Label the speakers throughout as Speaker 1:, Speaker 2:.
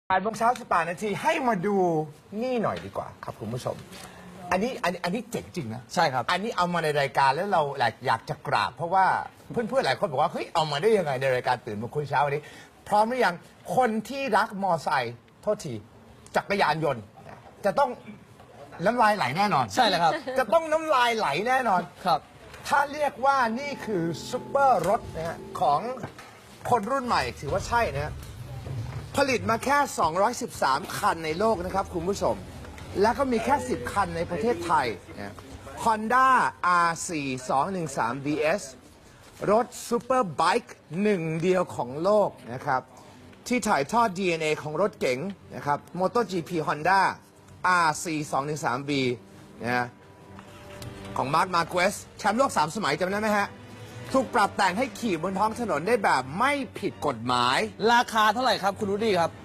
Speaker 1: 8 โมงเช้า 18 นาทีให้มาดูนี่หน่อยดีกว่าครับคุณผู้ชมอันนี้เจ๋งจริงนะ
Speaker 2: ใช่ครับ
Speaker 1: อันนี้เอามาในรายการแล้วเราอยากจะกราบเพราะว่าเพื่อนๆหลายคนบอกว่าเฮ้ยเอามาได้ยังไงในรายการตื่นมาคุยเช้าวันนี้พร้อมหรือยังคนที่รักมอไซค์โทษทีจักรยานยนต์จะต้องน้ำลายไหลแน่นอน
Speaker 2: ใช่เลยครับ
Speaker 1: จะต้องน้ำลายไหลแน่นอน
Speaker 2: ครับ
Speaker 1: ถ้าเรียกว่านี่คือซุปเปอร์รถนะฮะของคนรุ่นใหม่ถือว่าใช่นะฮะผลิตมาแค่ 213 คันในโลกนะครับคุณผู้ชม แล้วก็มีแค่ 10 คันในประเทศไทยนะ Honda R4 213 DS รถซูเปอร์ไบค์หนึ่งเดียวของโลกนะครับที่ถ่ายทอด DNA ของรถเก๋งนะครับ MotoGP Honda R4 213B นะของมาร์ค มาร์เควสแชมป์โลก 3 สมัยจำได้ไหมฮะถูกปรับแต่งให้ขี่บนท้องถนนได้แบบไม่ผิดกฎหมาย
Speaker 2: ราคาเท่าไหร่ครับคุณรุดี้ครับ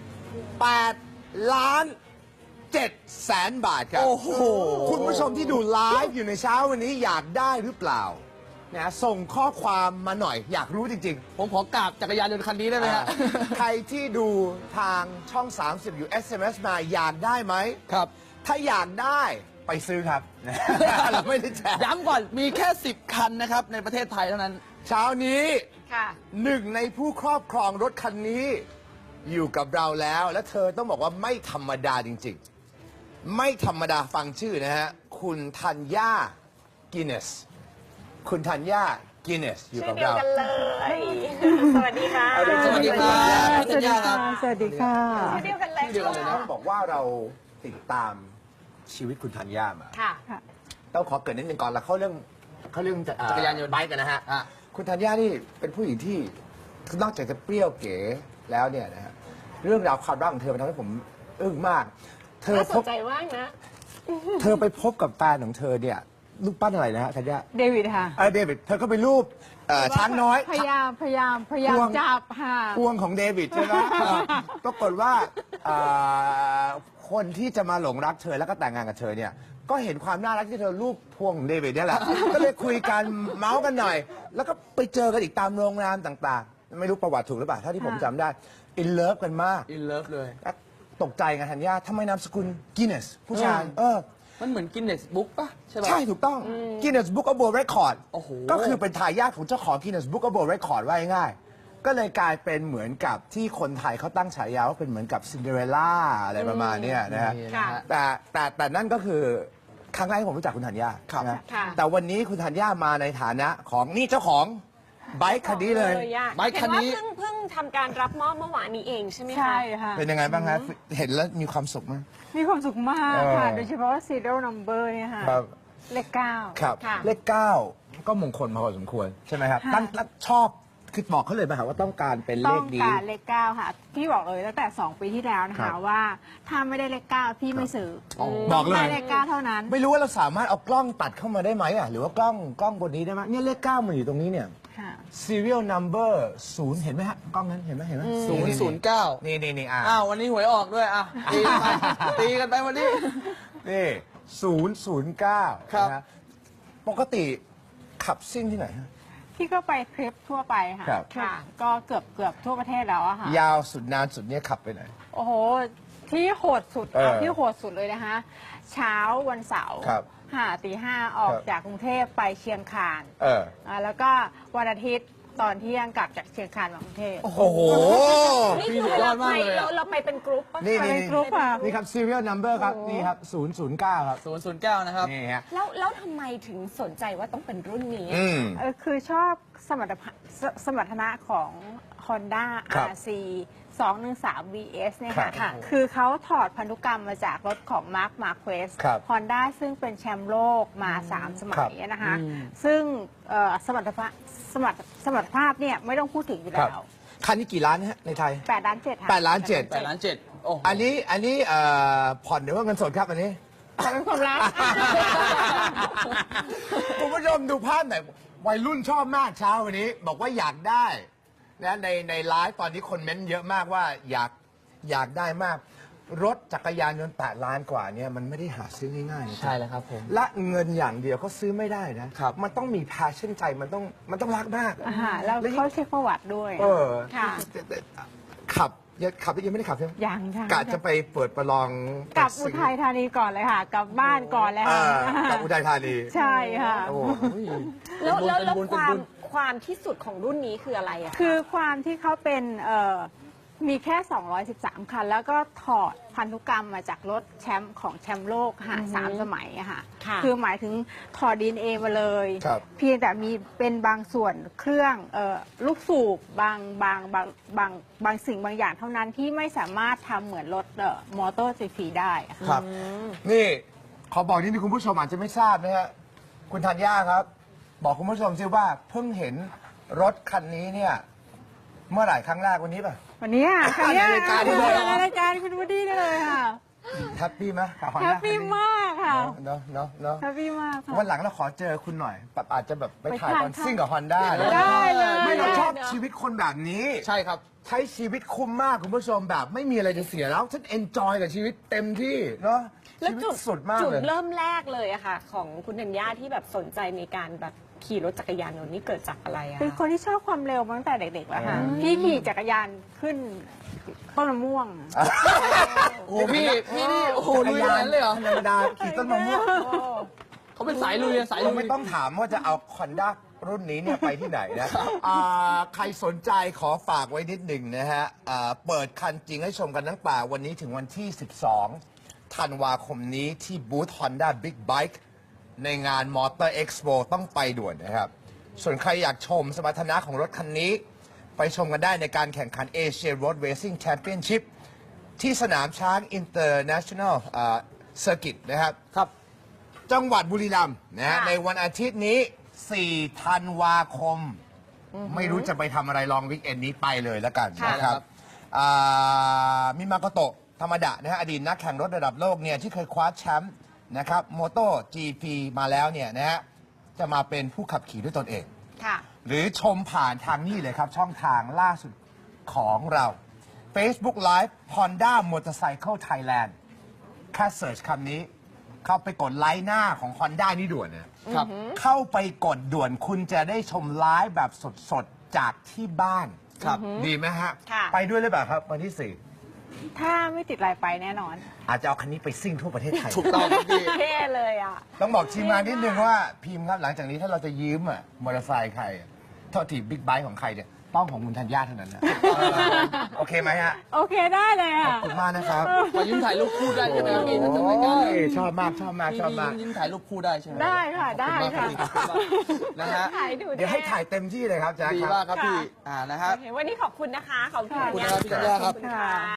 Speaker 1: 8,700,000 บาทครับ
Speaker 2: โอ้โห
Speaker 1: คุณผู้ชมที่ดูไลฟ์อยู่ในเช้าวันนี้อยากได้หรือเปล่านะส่งข้อความมาหน่อยอยากรู้จริง
Speaker 2: ๆผมขอกราบจักรยานยนต์คันนี้ได้ไหมฮะ
Speaker 1: ใครที่ดูทางช่อง 30 อยู่ SMS มาอยากได้ไหม
Speaker 2: ครับ
Speaker 1: ถ้าอยากได้ไปซื้อครับ เราไม่ได้แจก
Speaker 2: ย้ำก่อนมีแค่ 10 คันนะครับในประเทศไทยเท่านั้น
Speaker 1: เช้านี้หนึ่งในผู้ครอบครองรถคันนี้อยู่กับเราแล้วและเธอต้องบอกว่าไม่ธรรมดาจริงๆไม่ธรรมดาฟังชื่อนะฮะคุณธัญญากินเนสคุณธัญญากินเนสอยู่กับเรา
Speaker 3: กันเลยสวัสดีค่ะ
Speaker 2: สวัสดีครับ
Speaker 3: สวัสดีค่ะ
Speaker 4: สวัสดีค่ะ
Speaker 3: ชื่อเดียวกันเลย
Speaker 1: ต้องบอกว่าเราติดตามชีวิตคุณธัญญามา
Speaker 3: ค่ะ
Speaker 1: ต้องขอเกริ่นนิดนึงก่อนแล้วเข้าเรื่อง
Speaker 2: จักรยานยนต์
Speaker 1: ไบค์กันนะฮะคุณธัญญานี่เป็นผู้หญิงที่นอกจากจะเปรี้ยวเก๋แล้วเนี่ยนะฮะเรื่องราวความรักของเธอมันทำให้ผมอึ้งมาก
Speaker 3: เธอสนใจว่างนะ
Speaker 1: เธอไปพบกับแฟนของเธอเนี่ยรูปปั้นอะไรนะฮะธัญญา
Speaker 4: เดวิดค่ะ
Speaker 1: เดวิดเธอก็ไปรูปช้างน้อย
Speaker 4: พยายามจับค่ะ
Speaker 1: พวงของเดวิดใช่ไหมปรากฏว่าคนที่จะมาหลงรักเธอแล้วก็แต่งงานกับเธอเนี่ยก็เห็นความน่ารักที่เธอรูปพวงของเดวิดนี่แหละก็เลยคุยกันเมาส์กันหน่อยแล้วก็ไปเจอกันอีกตามโรงแรมต่างๆไม่รู้ประวัติถูกหรือเปล่าเท่าที่ผมจำได้อินเลิฟกันมาก
Speaker 2: อินเลิฟเลย
Speaker 1: ตกใจกันธัญญาทำไมนามสกุลกินเนสผู้ชาย
Speaker 2: มันเหมือนกินเนสบุ๊กป่ะใช่ป่ะ
Speaker 1: ใช่ถูกต้องกินเนสบุ๊กอ World Record
Speaker 2: โอ้โห
Speaker 1: ก็คือเป็นทายาทของเจ้าของกินเนสบุ๊กอ World Record ว่าง่ายๆก็เลยกลายเป็นเหมือนกับที่คนไทยเขาตั้งฉายาว่าเป็นเหมือนกับซินเดอเรลล่าอะไรประมาณนี้นะฮะแต่นั่นก็คือครั้งแรกที่ผมรู้จักคุณธัญญานะแต่วันนี้คุณธัญญามาในฐานะของนี่เจ้าของไบค์คันนี้เลย
Speaker 2: ไบค์คันนี้
Speaker 3: เพิ่งทำการรับมอบเมื่อวานนี้เองใช่ไหมคะ
Speaker 4: ใช่ค่ะ
Speaker 1: เป็นยังไงบ้างครับเห็นแล้วมีความสุขไหม
Speaker 4: มีความสุขมากค่ะโดยเฉพาะ serial number เนี่ยค่ะเลข 9
Speaker 1: ครับเลข 9ก็มงคลมาพอสมควรใช่ไหมครับตั้งชอบคือบอกเขาเลยไหมครับว่าต้องการเป็นเลขนี้
Speaker 4: ต้องการเลข 9ค่ะพี่บอกเลยตั้งแต่2 ปีที่แล้วนะคะว่าถ้าไม่ได้เลข 9พี่ไม่ซื้อ
Speaker 1: บอกเลย
Speaker 4: เลข 9เท่านั้น
Speaker 1: ไม่รู้ว่าเราสามารถเอากล้องตัดเข้ามาได้ไหมอ่ะหรือว่ากล้องบนนี้ได้ไหมเนี่ยเลข 9มันอยู่ตรงนี้เนี่ยserial number 0เห็นไหมฮะกล้องนั้นเห็นไหม
Speaker 2: 009
Speaker 1: นี่
Speaker 2: อ้าววันนี้หวยออกด้วยตีกันไปวันนี้
Speaker 1: นี่009
Speaker 2: ครับ
Speaker 1: ปกติขับซิ่งที่ไหนฮะ
Speaker 4: พี่ก็ไปทริปทั่วไปค่ะก็เกือบทั่วประเทศแล้วอะค่ะ
Speaker 1: ยาวสุดนานสุดเนี่ยขับไปไหน
Speaker 4: โอ้โหที่โหดสุดที่โหดสุดเลยนะคะเช้าวันเสาร์ตี 5ออกจากกรุงเทพไปเชียงคานแล้วก็วันอาทิตย์ตอนเที่ยงกลับจากเชียงคานมากรุงเทพ
Speaker 1: โอ้โห
Speaker 3: นี่คือเราไปเป็นกรุ๊ป
Speaker 1: นี่
Speaker 4: กรุ๊ปค่ะ
Speaker 1: นี่ครับ serial number ครับนี่ครับ009ครับ
Speaker 2: 009นะครับ
Speaker 1: นี่ฮะ
Speaker 3: แล้วทำไมถึงสนใจว่าต้องเป็นรุ่นนี้
Speaker 4: คือชอบสมรรถนะของ Honda RC 213 VS เนี่ยค่ะคือเขาถอดพันธุกรรมมาจากรถของ Marc Marquez Honda ซึ่งเป็นแชมป์โลกมา3 สมัยนะคะซึ่งสมรรถภาพเนี่ยไม่ต้องพูดถึงอยู่แล้ว
Speaker 1: คันนี้กี่ล้านฮะในไทย
Speaker 4: 8 ล้าน 7ค่ะ
Speaker 1: 8 ล้าน 7
Speaker 2: 8 ล้าน 7
Speaker 1: อันนี้ผ่อนหรือว่าเงินสดครับอันนี้
Speaker 4: เป็นความรัก
Speaker 1: คุณผู้ชมดูภาพหน่อยวัยรุ่นชอบมากเช้าวันนี้บอกว่าอยากได้นะในไลฟ์ตอนนี้คนเม้นเยอะมากว่าอยากได้มากรถจักรยานยนต์8 ล้านกว่าเนี่ยมันไม่ได้หาซื้อง่ายๆ
Speaker 2: ใช่แล้วครับผม
Speaker 1: และเงินอย่างเดียวเขาซื้อไม่ได้นะครับมันต้องมี passion ใจมันต้องรักมาก
Speaker 4: แล้วเขาเช็คประวัติด้วย
Speaker 1: ขับยังขับยังไม่ได้ขับใช่ไหม
Speaker 4: ยังค่ะ
Speaker 1: กะจะไปเปิดประลอง
Speaker 4: กลับอุทัยธานีก่อนเลยค่ะ กลับบ้านก่อนเลย
Speaker 1: เอ
Speaker 4: ค่ะ
Speaker 1: อกลับอุทัยธานี
Speaker 4: ใช่ค่ะ
Speaker 1: โอ้
Speaker 3: แล้ว
Speaker 2: เป็นบุญ
Speaker 3: ความที่สุดของรุ่นนี้คืออะไรอะะ
Speaker 4: คือความที่เขาเป็นมีแค่ 213 คัน แล้วก็ถอดพันธุกรรมมาจากรถแชมป์ของแชมป์โลกค่ะ3 สมัยอะค่ะ
Speaker 3: ค่ะ
Speaker 4: คือหมายถึงถอด DNA มาเลย
Speaker 1: ครับ
Speaker 4: เพียงแต่มีเป็นบางส่วนเครื่องลูกสูบบางสิ่งบางอย่างเท่านั้นที่ไม่สามารถทำเหมือนรถมอเตอร์ไฟฟ้าได้อะค่ะ
Speaker 1: ครับ นี่ขอบอกนิดนึงคุณผู้ชมอาจจะไม่ทราบนะฮะคุณธัญญาครับ บอกคุณผู้ชมซิว่าเพิ่งเห็นรถคันนี้เนี่ย เมื่อไหร่ครั้งแรกวันนี้ป่ะ
Speaker 4: วันนี้ค่ะ
Speaker 1: ในรายการนี้เลย
Speaker 4: ในรายการคุณวูดดี้ได้เลยค่ะ
Speaker 1: แฮปปี้ไหมกับ Honda
Speaker 4: แฮปปี้มากค่ะ
Speaker 1: เนาะเนาะเนาะ
Speaker 4: แฮปปี้มากค่ะ
Speaker 1: วันหลังเราขอเจอคุณหน่อยแบบอาจจะแบบไปถ่าย
Speaker 4: ไปทาน
Speaker 1: คอนซิ่งกับ Honda
Speaker 4: ได้เลย
Speaker 1: ไม่เราชอบชีวิตคนแบบนี้
Speaker 2: ใช่ครับ
Speaker 1: ใช้ชีวิตคุ้มมากคุณผู้ชมแบบไม่มีอะไรจะเสียแล้ว ฉันเอนจอยกับชีวิตเต็มที่เนาะ
Speaker 3: แล้ว
Speaker 1: ชีวิต
Speaker 3: จุด
Speaker 1: สุดมาก
Speaker 3: จุด
Speaker 1: เลย
Speaker 3: เริ่มแรกเลยอะค่ะ ของคุณธัญญาที่แบบสนใจในการแบบขี่รถจักรยานยนต์นี่เกิดจากอะไรอะ
Speaker 4: เป็นคนที่ชอบความเร็วมาตั้งแต่เด็กๆแล้วค่ะ พี่ขี่จักรยานขึ้นต้นมะม่วง
Speaker 2: โอ้พี่นี่โอ้โหลุยขนาดนั้นเลยเหรอ
Speaker 1: ธรรมดาขี่ต้นมะม่วง
Speaker 2: เขาเป็นสายลุยอะสาย
Speaker 1: เรา
Speaker 2: ลุย
Speaker 1: ไม่ต้องถามว่าจะเอาคอนด้ารุ่นนี้เนี่ยไปที่ไหนนะใครสนใจขอฝากไว้นิดหนึ่งนะฮะเปิดคันจริงให้ชมกันตั้งแต่วันนี้ถึงวันที่ 12 ธันวาคมนี้ที่บูธ Honda Big Bike ในงาน Motor Expo ต้องไปด่วนนะครับ ส่วนใครอยากชมสมรรถนะของรถคันนี้ ไปชมกันได้ในการแข่งขัน Asia Road Racing Championship ที่สนามช้าง International Circuit นะครับ
Speaker 2: ครับ
Speaker 1: จังหวัดบุรีรัมย์นะฮะ
Speaker 3: ค่ะ
Speaker 1: ในวันอาทิตย์นี้ 4 ธันวาคม ไม่รู้จะไปทำอะไรลองวิกเอนนี้ไปเลยแล้วกัน
Speaker 3: ค่ะ
Speaker 1: นะครับมิมาโกโตะธรรมดะนะฮะอดีตนักแข่งรถระดับโลกเนี่ยที่เคยคว้าแชมป์นะครับโมโต GP มาแล้วเนี่ยนะฮะจะมาเป็นผู้ขับขี่ด้วยตนเอง
Speaker 3: ค่ะ
Speaker 1: หรือชมผ่านทางนี้เลยครับ ช่องทางล่าสุดของเรา Facebook Live Honda Motorcycle Thailand แค่เสิร์ชคำนี้ เข้าไปกดไลค์หน้าของ Honda นี่ด่วนนะครับ เข้าไปกดด่วนคุณจะได้ชมไลฟ์แบบสดๆ จากที่บ้าน
Speaker 2: ครับ
Speaker 1: ดีไหมฮะ
Speaker 3: ค่ะ
Speaker 1: ไปด้วยหรือเปล่าครับ วันที่
Speaker 4: ถ้าไม่ติดลายไปแน่นอน
Speaker 1: 4 อาจจะเอาคันนี้ไปซิ่งทั่วประเทศไทย
Speaker 2: ถูกต้องครับพี่
Speaker 3: เท่เลยอะ
Speaker 1: ต้องบอกทีมงานนิดนึงว่าพิมพ์ครับหลังจากนี้ถ้าเราจะยืมมอเตอร์ไซค์ใครโทษทีบิ๊กไบค์ของใครเนี่ยต้องของคุณธัญญาเท่านั้นนะโอเคไหมฮะ
Speaker 4: โอเคได้เลย
Speaker 1: ขอ
Speaker 4: ค่ะ
Speaker 1: บคุณมากนะครับ
Speaker 2: ขอยืมถ่ายรูปคู่ได้ใช่ไหมครับพี่ถ้า
Speaker 1: โอ้
Speaker 2: ทำรายการ
Speaker 1: ยชอบมากชอบมากชอบมาก
Speaker 2: ยืมถ่ายรูปคู่ได้ใช่ไหม
Speaker 4: ได้ค่ะได้ค่ะ
Speaker 2: ขอบคุณมากนะฮะ
Speaker 3: ถ่ายดู
Speaker 1: เดี๋ยวให้ถ่ายเต็มที่เลยครับแจ๊ค
Speaker 2: ดี
Speaker 1: ครับ
Speaker 2: มากครับพี่นะฮะ
Speaker 3: โอเควันนี้ขอบคุณนะคะ ขอบคุณ
Speaker 2: ขอบคุณนะครับพี่ธัญญาครับ
Speaker 3: ขอบคุณค่ะ